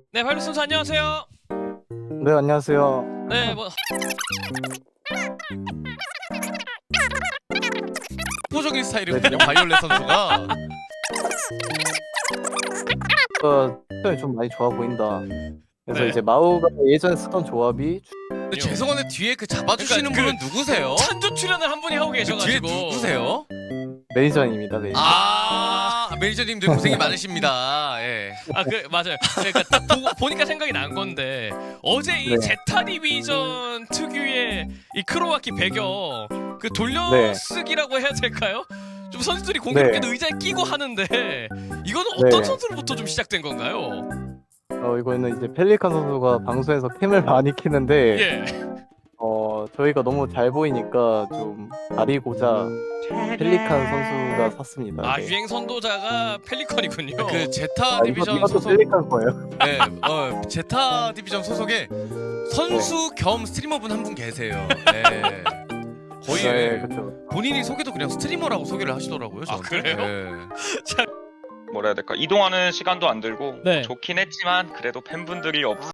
네, 파일럿 선수 안녕하세요. 네, 안녕하세요. 네, 뭐 포적인 스타일이거든요. 바이올렛 선수가. 표현이 좀 많이 좋아 보인다. 그래서 네. 이제 마우가 예전에 쓰던 조합이 근데 죄송한데 뒤에 그 잡아주시는 그러니까 분은 누구세요? 찬조 출연을 한 분이 하고 그 뒤에 계셔가지고. 누구세요? 매니저입니다. 매니저. 매니저님들 고생이 많으십니다. 예. 맞아요. 그러니까 딱 보니까 생각이 난 건데 어제 이 네. 제타 디비전 특유의 이 크로아키 배경 그 네. 돌려쓰기라고 해야 될까요? 좀 선수들이 공교롭게도 네. 의자에 끼고 하는데 이거는 어떤 네. 선수로부터 좀 시작된 건가요? 이거는 이제 펠리칸 선수가 방송에서 캠을 많이 키는데 예. 저희가 너무 잘 보이니까 좀 가리고자 펠리칸 선수가 샀습니다. 아, 네. 유행 선도자가 펠리컨이군요. 그 제타 디비전 이것도 소속. 펠리칸 거예요. 네, 제타 디비전 소속에 선수 겸 스트리머분 한 분 계세요. 네. 거의 네, 그렇죠. 본인이 소개도 그냥 스트리머라고 소개를 하시더라고요. 아, 저한테. 그래요? 네. 뭐라 해야 될까, 이동하는 시간도 안 들고 네. 좋긴 했지만 그래도 팬분들이 없